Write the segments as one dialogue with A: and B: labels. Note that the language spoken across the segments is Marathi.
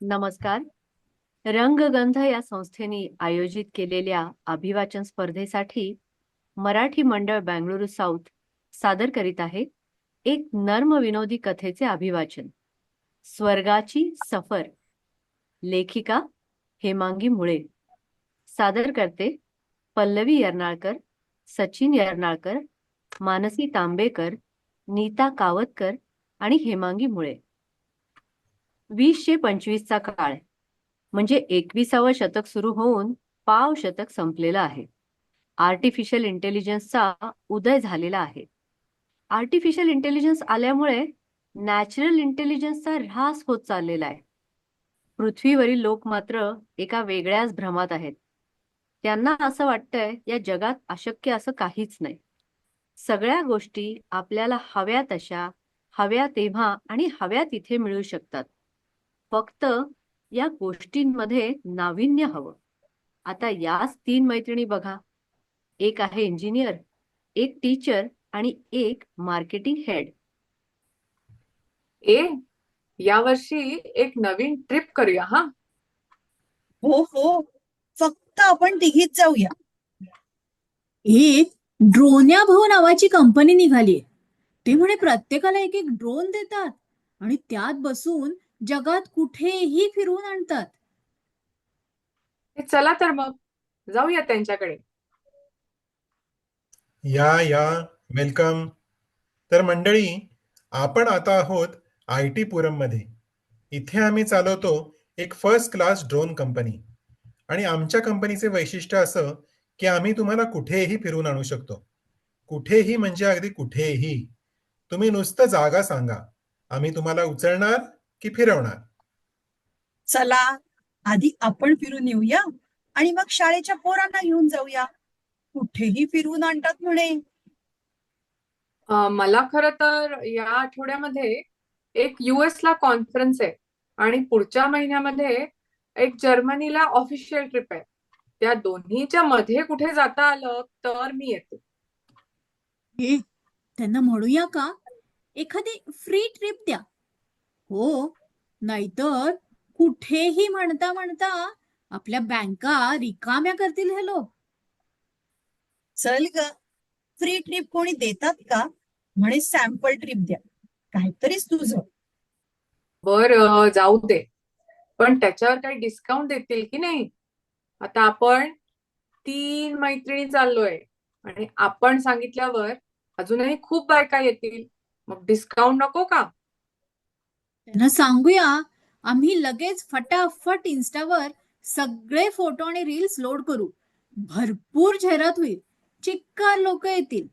A: नमस्कार. रंगगंध या संस्थेने आयोजित केलेल्या अभिवाचन स्पर्धेसाठी मराठी मंडळ बंगळुरू साऊथ सादर करीत आहे एक नर्म विनोदी कथेचे अभिवाचन. स्वर्गाची सफर. लेखिका हेमांगी मुळे. सादर करते पल्लवी यर्नाळकर, सचिन यर्नाळकर, मानसी तांबेकर, नीता कावतकर आणि हेमांगी मुळे. 2025चा काळ म्हणजे 21वं शतक सुरू होऊन पाव शतक संपलेलं आहे. आर्टिफिशियल इंटेलिजन्सचा उदय झालेला आहे. आर्टिफिशियल इंटेलिजन्स आल्यामुळे नॅचरल इंटेलिजन्सचा ऱ्हास होत चाललेला आहे. पृथ्वीवरील लोक मात्र एका वेगळ्याच भ्रमात आहेत. त्यांना असं वाटतंय या जगात अशक्य असं काहीच नाही. सगळ्या गोष्टी आपल्याला हव्या तशा, हव्या तेव्हा आणि हव्या तिथे मिळू शकतात. फक्त या गोष्टींमध्ये नाविन्य हवं. आता याच 3 मैत्रिणी बघा. एक आहे इंजिनियर, एक टीचर आणि एक मार्केटिंग हेड.
B: ए यावर्षी एक नवीन ट्रिप करूया हा.
C: हो हो, फक्त आपण तिघीच जाऊया. एक ड्रोन्या भाऊ नावाची कंपनी निघालीये. ते म्हणे प्रत्येकाला एक एक ड्रोन देतात आणि त्यात बसून जगात कुठेही फिरवून आणतात.
B: चला तर मग जाऊया त्यांच्याकडे.
D: या वेलकम. तर मंडळी, आपण आता आहोत IT पुरम मध्ये. इथे आम्ही चालवतो एक फर्स्ट क्लास ड्रोन कंपनी आणि आमच्या कंपनीचे वैशिष्ट्य असं की आम्ही तुम्हाला कुठेही फिरवून आणू शकतो. कुठेही म्हणजे अगदी कुठेही. तुम्ही नुसतं जागा सांगा, आम्ही तुम्हाला उचलणार की फिरवणार.
C: चला, आधी आपण फिरून येऊया आणि मग शाळेच्या पोरांना घेऊन जाऊया. कुठेही फिरवून आणतात म्हणे.
B: मला खरं तर या आठवड्यामध्ये एक US ला कॉन्फरन्स आहे आणि पुढच्या महिन्यामध्ये एक जर्मनीला ऑफिशियल ट्रिप आहे. त्या दोन्हीच्या मध्ये कुठे जाता आलं तर मी येते.
C: हे त्यांना म्हणूया का एखादी फ्री ट्रिप द्या. हो, नाहीतर कुठेही म्हणता म्हणता आपल्या बँका रिकाम्या करतील हे लोक. चल ग, फ्री ट्रिप कोणी देतात का? म्हणे सॅम्पल ट्रिप द्या. काहीतरीच तुझं.
B: बर, जाऊ दे. पण त्याच्यावर काही डिस्काउंट देतील की नाही? आता आपण 3 मैत्रिणी चाललोय आणि आपण सांगितल्यावर अजूनही खूप बायका येतील. मग डिस्काउंट नको का?
C: त्यांना सांगूया, आम्ही लगेच फटाफट इन्स्टावर सगळे फोटो आणि रील्स लोड करू. भरपूर जाहिरात होईल. चिक्कार लोक येतील.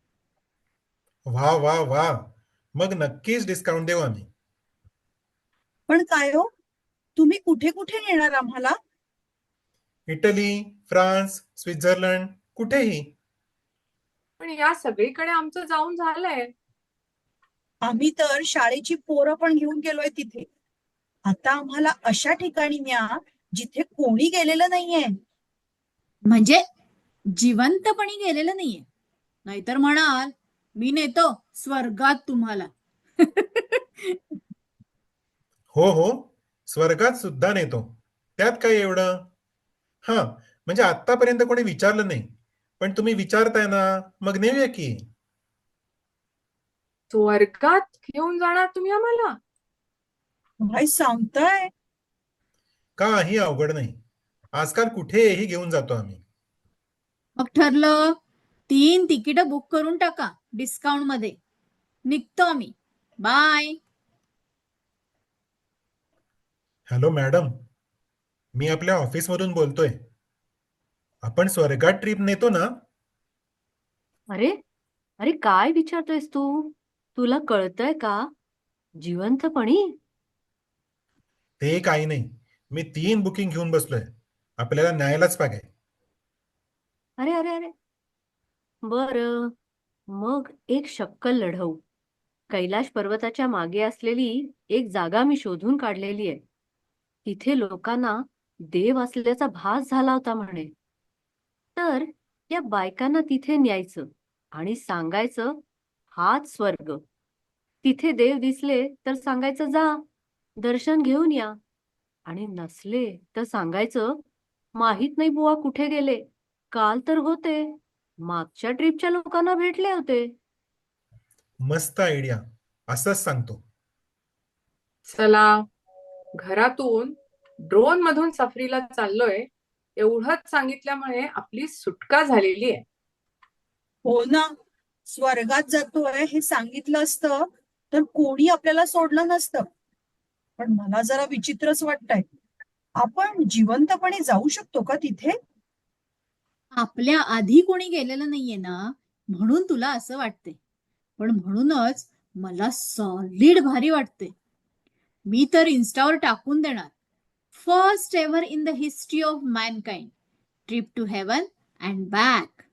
D: वा वा वा, मग नक्कीच डिस्काउंट देऊ आम्ही.
C: पण काय हो, तुम्ही कुठे कुठे नेणार आम्हाला?
D: इटली, फ्रान्स, स्वित्झर्लंड, कुठेही.
B: पण या सगळीकडे आमचं जाऊन झालंय.
C: आम्ही तर शाळेची पोरं पण घेऊन गेलोय तिथे. आता आम्हाला अशा ठिकाणी न्या जिथे कोणी गेलेलं नाहीये. म्हणजे जिवंतपणी गेलेलं नाहीये. नाहीतर म्हणाल, मी नेतो स्वर्गात तुम्हाला.
D: हो हो, स्वर्गात सुद्धा नेतो. त्यात काय एवढं. हा, म्हणजे आतापर्यंत कोणी विचारलं नाही, पण तुम्ही विचारताय ना, मग नेऊया की.
B: स्वर्गात घेऊन जाणार तुम्ही आम्हाला?
C: काय सांगताय?
D: काही अवघड नाही. आजकाल कुठेही घेऊन जातो आम्ही.
C: मग ठरलं, 3 तिकीट बुक करून टाका डिस्काउंट मध्ये. निघतो आम्ही. बाय.
D: हॅलो मॅडम, मी आपल्या ऑफिसमधून बोलतोय. आपण स्वर्गात ट्रिप नेतो ना?
A: अरे अरे, काय विचारतोयस तू? तुला कळतंय का? जिवंतपणी?
D: ते काही नाही. मी 3 बुकिंग घेऊन बसलोय. आपल्याला न्यायलाच पाहिजे.
A: अरे अरे अरे, बरं. मग एक शक्कल लढवू. कैलाश पर्वताच्या मागे असलेली एक जागा मी शोधून काढलेली आहे. तिथे लोकांना देव असल्याचा भास झाला होता म्हणे. तर या बायकांना तिथे न्यायचं आणि सांगायचं, हाच स्वर्ग. तिथे देव दिसले तर सांगायचं, जा दर्शन घेऊन या. आणि नसले तर सांगायचं, माहित नाही बुवा कुठे गेले. काल तर होते. मागच्या ट्रिपच्या लोकांना भेटले होते.
D: मस्त आयडिया. असंच सांगतो.
B: चला, घरातून ड्रोन मधून सफरीला चाललोय एवढंच सांगितल्यामुळे आपली सुटका झालेली आहे.
C: हो ना, स्वर्गात जातोय हे सांगितलं असतं तर कोणी आपल्याला सोडलं नसतं. पण मला जरा विचित्रच वाटतंय. आपण जिवंतपणे जाऊ शकतो का तिथे? आपल्या आधी कोणी गेलेलं नाहीये ना, म्हणून तुला असं वाटते. पण म्हणूनच मला सॉलिड भारी वाटते. मी तर इन्स्टावर टाकून देणार, first ever in the history of mankind, trip to heaven and back.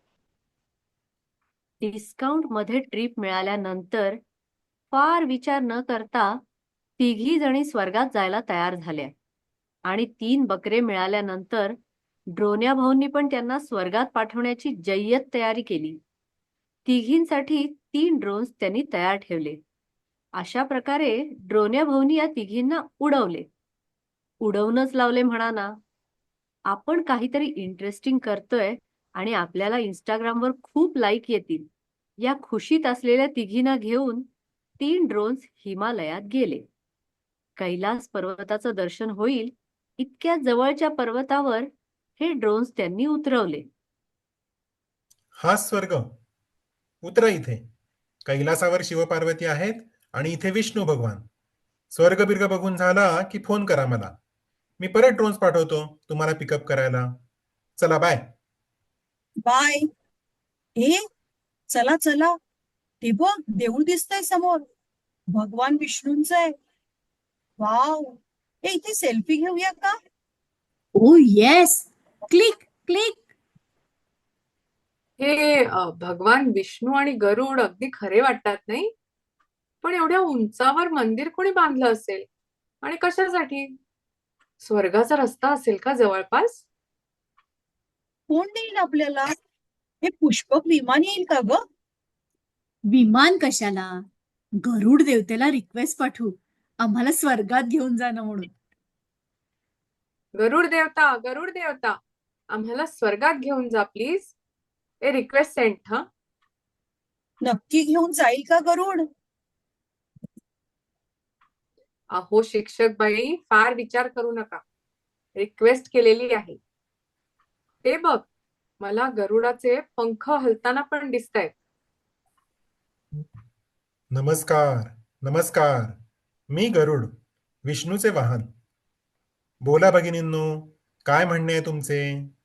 A: Discount मध्ये ट्रिप मिळाल्यानंतर फार विचार न करता तिघी जणी स्वर्गात जायला तयार झाल्या. आणि 3 बकरे मिळाल्यानंतर ड्रोन्या भाऊंनी पण त्यांना स्वर्गात पाठवण्याची जय्यत तयारी केली. तिघींसाठी 3 ड्रोन्स त्यांनी तयार ठेवले. अशा प्रकारे ड्रोन्या भाऊंनी या तिघींना उडवले. उडवूनच लावले म्हणा ना. आपण काहीतरी इंटरेस्टिंग करतोय आणि आपल्याला इंस्टाग्रामवर खूप लाईक येतील, या खुशीत असलेल्या तिघींना घेऊन 3 ड्रोन्स हिमालयात गेले. कैलास पर्वताचं दर्शन होईल इतक्या जवळच्या पर्वतावर हे ड्रोन्स त्यांनी उतरवले.
D: हा स्वर्ग. उतरा इथे. कैलासावर शिवपार्वती आहेत आणि इथे विष्णू भगवान. स्वर्ग बिर्ग बघून झाला की फोन करा मला. मी परत ड्रोन्स पाठवतो तुम्हाला पिकअप करायला. चला बाय.
C: बाय. ए, चला चला, ते बघ देऊळ दिसतंय समोर. भगवान विष्णूंचं आहे. वाव. ए, इथे सेल्फी घेऊया का? Oh yes, click click.
B: हे भगवान विष्णू आणि गरुड अगदी खरे वाटतात नाही? पण एवढ्या उंचावर मंदिर कोणी बांधलं असेल आणि कशासाठी? स्वर्गाचा रस्ता असेल का जवळपास?
C: कोण देईल आपल्याला? हे पुष्पक विमान येईल का ग? विमान कशाला? गरुड देवतेला रिक्वेस्ट पाठवू, आम्हाला स्वर्गात घेऊन जाणं म्हणून.
B: गरुड देवता, आम्हाला स्वर्गात घेऊन जा प्लीज. A request send. हा,
C: नक्की घेऊन जाईल का गरुड?
B: अहो शिक्षक बाई, फार विचार करू नका. रिक्वेस्ट केलेली आहे. ते बघ, मला गरुडाचे पंख हलताना पण दिसतायत.
D: नमस्कार. नमस्कार. मी गरुड, विष्णूचे वाहन. बोला भगिनींनो, काय म्हणणे आहे तुमचे?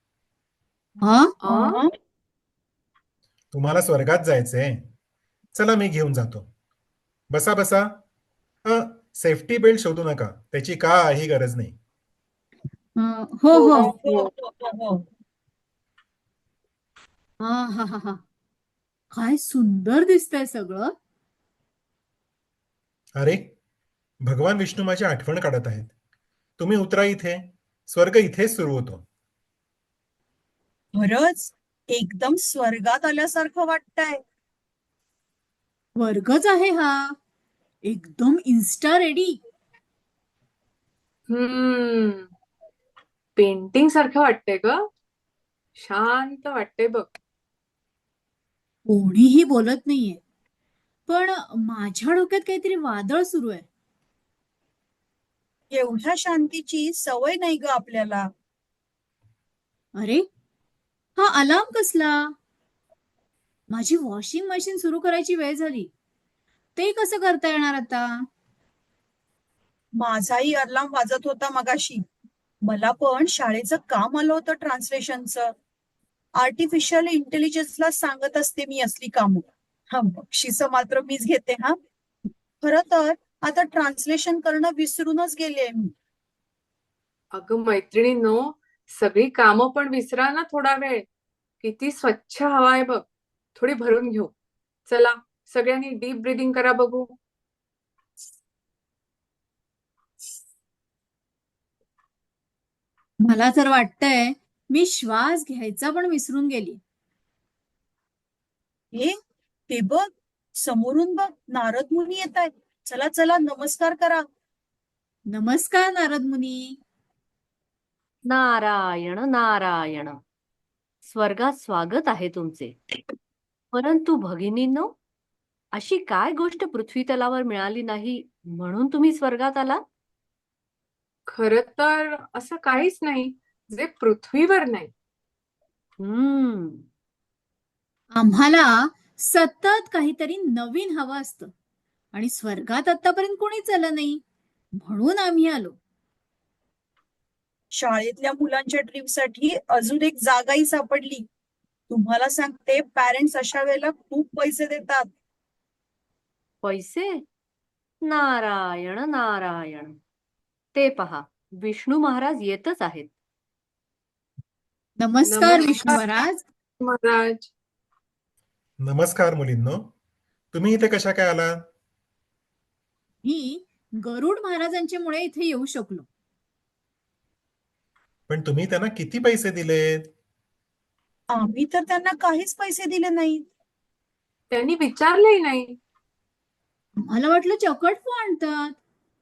B: अं?
D: तुम्हाला स्वर्गात जायचंय? चला मी घेऊन जातो. बसा बसा. सेफ्टी बेल्ट शोधू नका, त्याची काही गरज नाही.
C: हो
B: हो,
C: हो.
B: हो.
C: हा हा हा हा. काय सुंदर दिसतंय सगळं.
D: अरे, भगवान विष्णू माझी आठवण काढत आहेत. तुम्ही उतरा इथे. स्वर्ग इथेच सुरू होतो.
C: खरंच एकदम स्वर्गात आल्यासारखं वाटतंय. वर्गच आहे हा, एकदम इन्स्टा रेडी.
B: पेंटिंग सारखं वाटतंय ग. शांत वाटतंय बघ.
C: कोणीही बोलत नाहीये, पण माझ्या डोक्यात काहीतरी वादळ सुरू आहे. एवढ्या शांतीची सवय नाही ग आपल्याला. अरे, हा अलार्म कसला? माझी वॉशिंग मशीन सुरू करायची वेळ झाली. ते कसं करता येणार आता? माझाही अलार्म वाजत होता मगाशी. मला पण शाळेचं काम आलं होतं ट्रान्सलेशनचं. आर्टिफिशियल इंटेलिजन्सला सांगत असते मी असली कामं. हा, बक्षीस मात्र मीच घेते हा. खरं तर आता ट्रान्सलेशन करणं विसरूनच गेले मी.
B: अगं मैत्रिणींनो, सगळी कामं पण विसरा ना थोडा वेळ. किती स्वच्छ हवा आहे बघ. थोडी भरून घेऊ. चला, सगळ्यांनी डीप ब्रीदिंग करा बघू.
C: मला तर वाटतंय मी श्वास घ्यायचा पण विसरून गेली. ए, ते बघ, समोरून बघ, नारद मुनी येत आहेत. चला चला, नमस्कार करा. नमस्कार नारद मुनी.
A: नारायण नारायण. स्वर्गात स्वागत आहे तुमचे. परंतु भगिनींनो, अशी काय गोष्ट पृथ्वी तलावर मिळाली नाही म्हणून तुम्ही स्वर्गात आला?
B: खरं तर असं काहीच नाही जे पृथ्वीवर नाही.
A: हम्म
C: आम्हाला सतत काहीतरी नवीन हवं असतं आणि स्वर्गात आतापर्यंत कोणीच आलं नाही म्हणून आम्ही आलो.
E: शाळेतल्या मुलांच्या ट्रिपसाठी अजून एक जागाही सापडली. तुम्हाला सांगते, पॅरेंट्स अशा वेळेला खूप पैसे देतात.
A: पैसे? नारायण नारायण. ते पहा, विष्णू महाराज येतच आहेत.
C: नमस्कार विष्णू महाराज.
B: महाराज.
D: नमस्कार मुलींनो. तुम्ही इथे कशा काय आलात?
C: मी गरुड महाराजांच्या मुळे इथे येऊ शकलो.
D: पण तुम्ही त्यांना किती पैसे दिलेत?
E: आम्ही तर त्यांना काहीच पैसे दिले नाहीत.
B: त्यांनी विचारलंही नाही.
C: मला वाटलं चकटफू आणतात.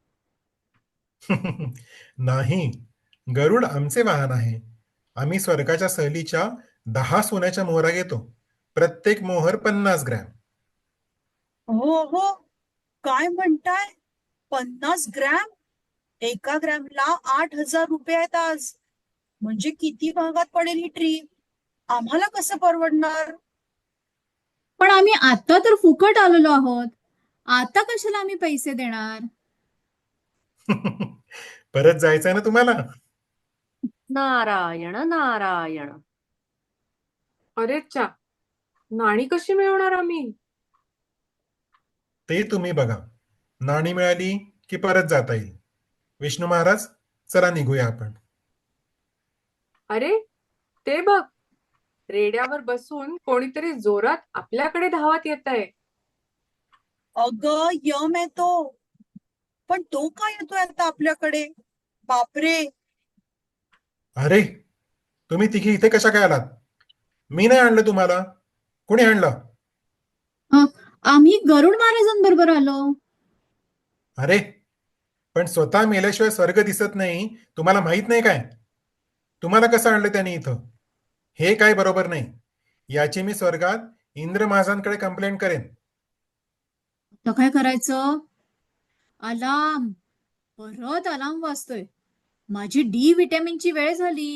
D: नाही, गरुड आमचे वाहन आहे. आम्ही स्वर्गाच्या सहलीच्या 10 सोन्याच्या मोहरा घेतो. प्रत्येक मोहर 50 ग्रॅम.
E: हो हो, काय म्हणताय? 50 ग्रॅम? एका ग्रॅमला 8,000 रुपये आहेत आज. म्हणजे किती महागात पडेल ही ट्रीप? आम्हाला कसं परवडणार?
C: पण आम्ही आता तर फुकट आलेलो आहोत. आता कशाला आम्ही पैसे देणार?
D: परत जायचंय ना तुम्हाला?
A: नारायण नारायण.
B: अरे चा, नाणी कशी मिळवणार आम्ही?
D: ते तुम्ही बघा. नाणी मिळाली की परत जाता येईल. विष्णू महाराज, चला निघूया आपण.
B: अरे ते बघ, रेड्यावर बसून कोणीतरी जोरात आपल्याकडे धावत येत आहे.
E: अगं, यम येतो. पण तो काय येतोय आता आपल्याकडे? बापरे.
D: अरे, तुम्ही तिघी इथे कशा काय आलात? मी नाही आणलं तुम्हाला. कोणी आणलं?
C: आम्ही गरुड महाराजांबरोबर आलो.
D: अरे, पण स्वतः मेल्याशिवाय स्वर्ग दिसत नाही, तुम्हाला माहित नाही काय? तुम्हाला कसं आणलं त्याने इथं? हे काय बरोबर नाही. याची मी स्वर्गात इंद्र महाराजांकडे कंप्लेंट करेन.
C: तर काय करायचं? अलार्म, परत अलार्म वाजतोय. माझी डी विटॅमिनची वेळ झाली.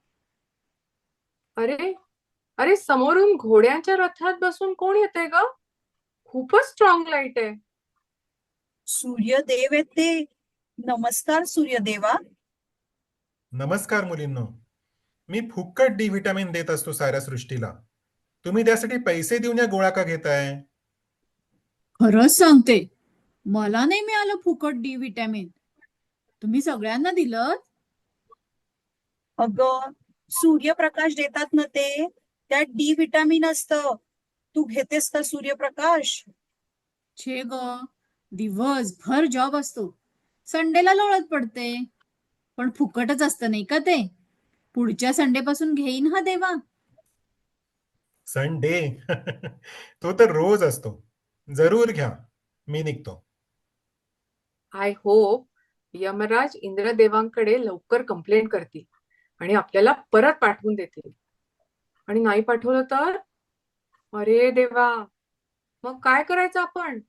B: अरे अरे, समोरून घोड्यांच्या रथात बसून कोण येतंय ग? खूपच स्ट्रॉंग लाईट आहे.
E: सूर्यदेव येते. नमस्कार सूर्यदेवा.
D: नमस्कार मुलींनो. मी फुकट डी व्हिटॅमिन देत असतो साऱ्या सृष्टीला. तुम्ही त्यासाठी पैसे देऊन या गोळ्या का घेताय?
C: खरंच सांगते, मला नाही मिळालं फुकट डी विटॅमिन. तुम्ही सगळ्यांना दिलं.
E: अगं, सूर्यप्रकाश देतात ना ते, त्यात डी विटॅमिन असतं. तू घेतेस का सूर्यप्रकाश?
C: छे ग, दिवसभर जॉब असतो. संडेला लोळत पडते. पण फुकटच असतं नाही का ते? पुढच्या संडे पासून घेईन हा देवा.
D: संडे? तो तर रोज असतो. जरूर घ्या. मी निघतो.
B: आय होप यमराज इंद्रदेवांकडे लवकर कंप्लेंट करतील आणि आपल्याला परत पाठवून देतील. आणि नाही पाठवलं तर? अरे देवा, मग काय करायचं आपण?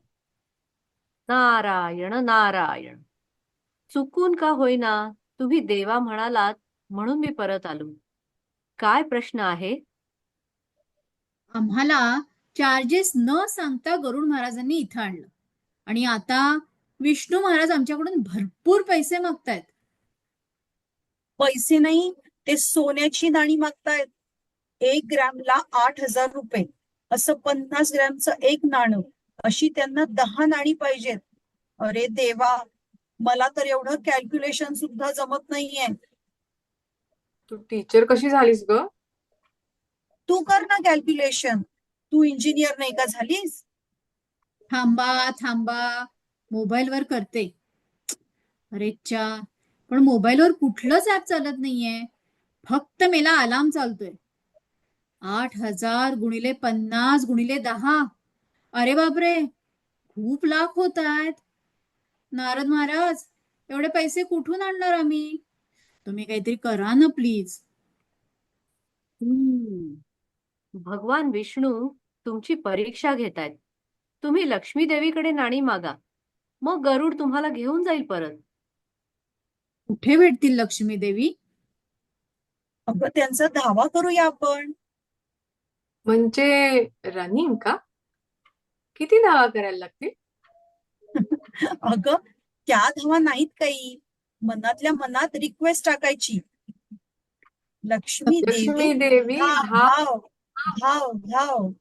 A: नारायण नारायण. चुकून का होईना तुम्ही देवा म्हणालात म्हणून मी परत आलो. काय प्रश्न आहे?
C: आम्हाला चार्जेस न सांगता गरुड महाराजांनी इथं आणलं आणि आता विष्णू महाराज आमच्याकडून भरपूर पैसे मागतायत.
E: पैसे नाही, ते सोन्याची नाणी मागतायत. 1 ग्रॅमला 8,000 रुपये. असं 50 ग्रॅमचं एक नाणं. अशी त्यांना 10 नाणी पाहिजेत. अरे देवा, मला तर एवढं कॅल्क्युलेशन सुद्धा जमत नाहीये.
B: तू टीचर कशी झालीस ग?
E: तू कर ना कॅल्क्युलेशन. तू इंजिनियर नाही का झालीस?
C: थांबा थांबा, मोबाईलवर करते. अरेच्चा, पण मोबाईलवर कुठलंच ऍप चालत नाहीये. फक्त मेला अलार्म चालतोय. 8,000 गुणिले 50 गुणिले 10. अरे बापरे, खूप लाख होत आहेत. नारद महाराज, एवढे पैसे कुठून आणणार आम्ही? तुम्ही काहीतरी करा ना प्लीज.
A: भगवान विष्णू तुमची परीक्षा घेतायत. तुम्ही लक्ष्मी देवीकडे नाणी मागा, मग गरुड तुम्हाला घेऊन जाईल परत.
C: कुठे भेटतील लक्ष्मी देवी?
E: अगं त्यांचा धावा करूया आपण.
B: म्हणजे रनिंग का? किती धावा करायला लागतील?
E: अगं त्या धावा नाहीत काही, मनातल्या मनात रिक्वेस्ट टाकायची. लक्ष्मी देवी
B: लक्ष्मी देवी
E: धाव धाव धाव धाव.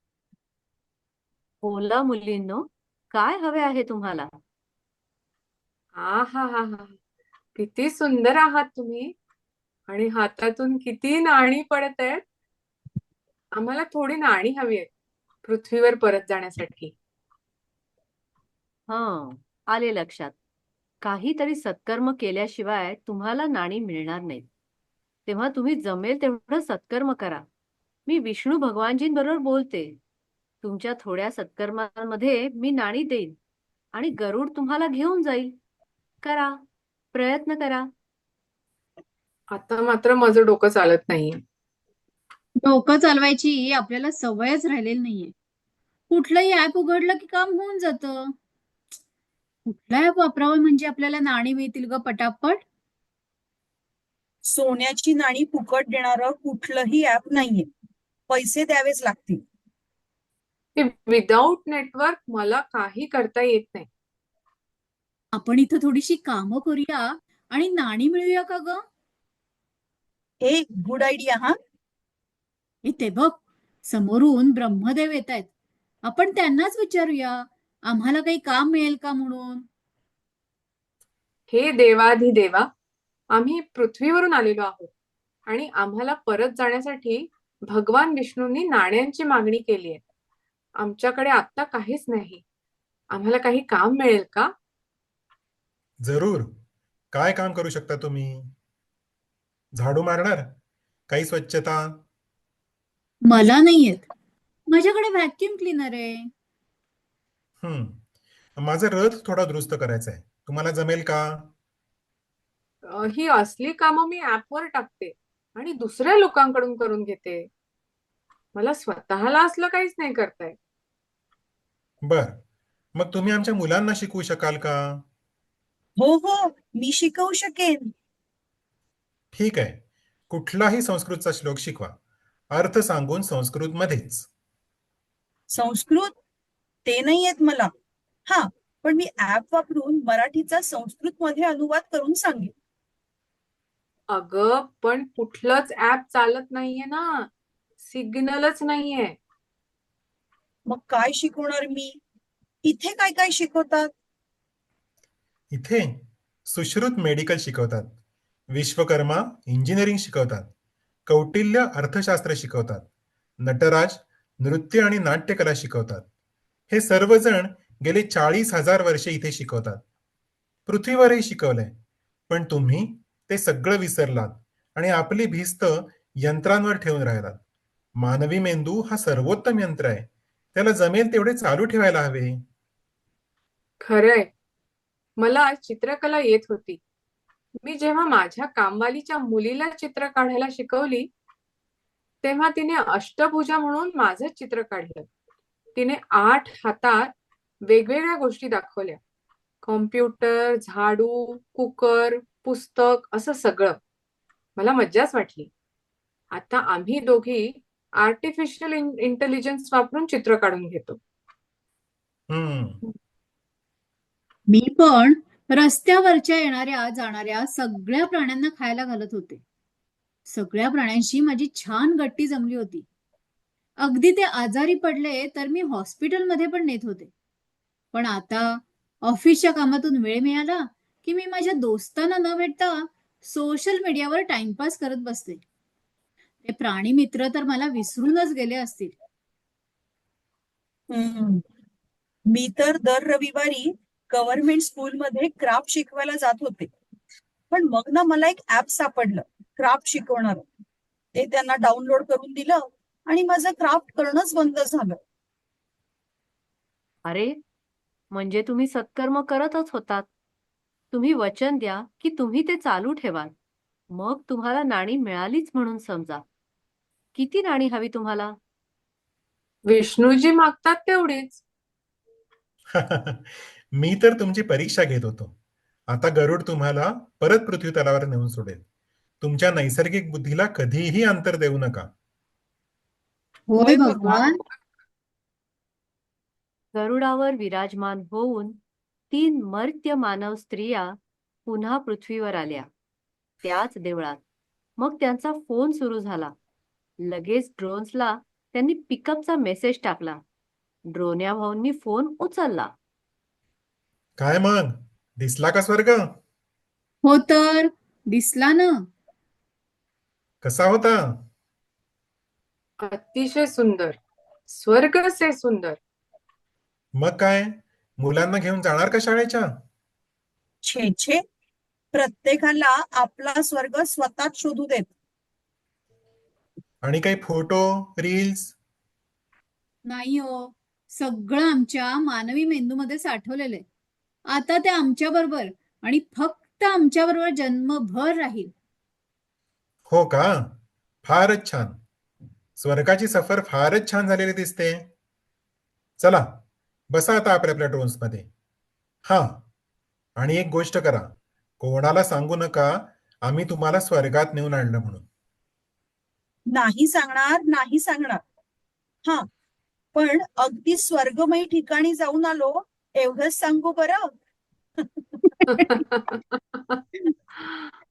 A: बोला मुलींनो, काय हवे आहे तुम्हाला?
B: हा हा हा हा किती सुंदर आहात तुम्ही, आणि हातातून किती नाणी पडत आहेत. आम्हाला थोडी नाणी हवी आहेत पृथ्वीवर परत जाण्यासाठी.
A: हं, आले लक्षात. काहीतरी सत्कर्म केल्याशिवाय तुम्हाला नाणी मिळणार नाहीत. तेव्हा तुम्ही जमेल तेवढं सत्कर्म करा. मी विष्णू भगवानजींबरोबर बोलते. तुमच्या थोड्या सत्कर्मांमध्ये मी नाणी देईन आणि गरुड तुम्हाला घेऊन जाईल. करा, प्रयत्न करा.
B: आता मात्र माझं डोकं चालत नाहीये.
C: डोकं चालवायची आपल्याला सवयच राहिलेली नाहीये. कुठलंही ऍप उघडलं की काम होऊन जातं. कुठला ऍप वापरावं म्हणजे आपल्याला नाणी मिळतील ग पटापट?
E: सोन्याची नाणी फुकट देणारं कुठलंही ऍप नाहीये, पैसे द्यावेच लागतील.
B: विदाऊट नेटवर्क मला काही करता येत नाही.
C: आपण इथं थोडीशी कामं करूया आणि नाणी मिळूया का ग?
E: एक गुड आयडिया. हा
C: ते बघ, समोरून ब्रह्मदेव येत आहेत. आपण त्यांनाच विचारूया आम्हाला काही काम मिळेल का म्हणून.
B: हे देवाधिदेवा, आम्ही पृथ्वीवरून आलेलो आहोत आणि आम्हाला परत जाण्यासाठी भगवान विष्णूंनी नाण्यांची मागणी केली आहे. आमच्याकडे आता काहीच नाही. आम्हाला काही काम मिळेल का?
D: जरूर. काय काम करू शकता तुम्ही? झाडू मारणार? काही स्वच्छता?
C: मला नाही येत. माझ्याकडे व्हॅक्युम क्लीनर आहे.
D: माझा रथ थोडा दुरुस्त करायचा आहे. तुम्हाला जमेल का?
B: ही असली कामं मी ऍपवर टाकते आणि दुसऱ्या लोकांकडून करून घेते. मला स्वतःला असलं काहीच नाही करताय.
D: बर, मग तुम्ही आमच्या मुलांना शिकवू शकाल का?
E: हो हो, मी शिकवू शकेन.
D: ठीक आहे. कुठलाही संस्कृतचा श्लोक शिकवा, अर्थ सांगून संस्कृत मध्येच.
E: संस्कृत ते नाही येत मला. हा, पण मी ऍप वापरून मराठीचा संस्कृत मध्ये अनुवाद करून सांगेन.
B: अगं पण कुठलंच ऍप चालत नाहीये ना, सिग्नलच नाहीये.
E: मग काय शिकवणार मी? इथे काय काय शिकवतात?
D: इथे सुश्रुत मेडिकल शिकवतात, विश्वकर्मा इंजिनिअरिंग शिकवतात, कौटिल्य अर्थशास्त्र शिकवतात, नटराज नृत्य आणि नाट्यकला शिकवतात. हे सर्वजण गेले 40,000 वर्षे इथे शिकवतात. पृथ्वीवरही शिकवलंय, पण तुम्ही ते सगळं विसरलात आणि आपली भिस्त यंत्रांवर ठेवून राहिलात. मानवी मेंदू हा सर्वोत्तम यंत्र आहे. त्याला जमेल तेवढे चालू ठेवायला हवे.
B: खरंय, मला चित्रकला येत होती. मी जेव्हा माझ्या कामवालीच्या मुलीला चित्र काढायला शिकवली, तेव्हा तिने अष्टभुजा म्हणून माझं चित्र काढलं. तिने 8 हातात वेगवेगळ्या गोष्टी दाखवल्या. कॉम्प्युटर, झाडू, कुकर, पुस्तक असं सगळं. मला मज्जाच वाटली. आता आम्ही दोघी आर्टिफिशियल इंटेलिजन्स वापरून चित्र काढून घेतो.
D: हम्म
C: मी पण रस्त्यावरच्या येणाऱ्या जाणाऱ्या सगळ्या प्राण्यांना खायला घालत होते. सगळ्या प्राण्यांशी माझी छान गट्टी जमली होती. अगदी ते आजारी पडले तर मी हॉस्पिटलमध्ये पण नेत होते. पण आता ऑफिसच्या कामातून वेळ मिळाला की मी माझ्या दोस्तांना न भेटता सोशल मीडियावर टाइमपास करत बसते. ते प्राणी मित्र तर मला विसरूनच गेले असतील.
E: हम्म. मी तर दर रविवारी गव्हर्नमेंट स्कूलमध्ये क्राफ्ट शिकवायला जात होते. पण मग ना मला एक ऍप सापडलं क्राफ्ट शिकवणार. ते त्यांना डाउनलोड करून दिलं आणि माझं क्राफ्ट करणंच बंद झालं.
A: अरे, म्हणजे तुम्ही सत्कर्म करतच होतात. तुम्ही वचन द्या की तुम्ही ते चालू ठेवाल. मग तुम्हाला नाणी मिळालीच म्हणून समजा. किती नाणी हवी तुम्हाला?
B: विष्णूजी मागतात तेवढीच.
D: मी तर तुमची परीक्षा घेत होतो. आता गरुड तुम्हाला परत पृथ्वी तलावर नेऊन सोडेल. तुमच्या नैसर्गिक बुद्धीला कधीही अंतर देऊ नका.
C: होय भगवान.
A: गरुडावर विराजमान होऊन 3 मर्त्य मानव स्त्रिया पुन्हा पृथ्वीवर आल्या. त्याच देवळात. मग त्यांचा फोन सुरू झाला. लगेच ड्रोन्सला त्यांनी पिकअपचा मेसेज टाकला. ड्रोन्या भाऊंनी फोन उचलला.
D: काय मग? दिसला का स्वर्ग?
C: हो तर दिसला ना.
D: कसा होता?
B: अतिशय सुंदर. स्वर्ग से सुंदर.
D: मग काय? मुलांना घेऊन जाणार का शाळेच्या?
E: छे छे, प्रत्येकाला आपला स्वर्ग स्वतःच शोधू देत.
D: आणि काही फोटो, रील्स?
C: नाही हो, सगळं आमच्या मानवी मेंदूमध्ये साठवलेलं आहे. आता ते आमच्या बरोबर आणि फक्त आमच्या बरोबर जन्मभर राहील.
D: हो का? फारच छान. स्वर्गाची सफर फारच छान झालेली दिसते. चला, बसा आता आपल्या आपल्या ड्रोन्समध्ये. हा, आणि एक गोष्ट करा. कोणाला सांगू नका आम्ही तुम्हाला स्वर्गात नेऊन आणलं म्हणून.
E: नाही सांगणार, नाही सांगणार. हा, पण अगदी स्वर्गमयी ठिकाणी जाऊन आलो एवढंच सांगू बरं.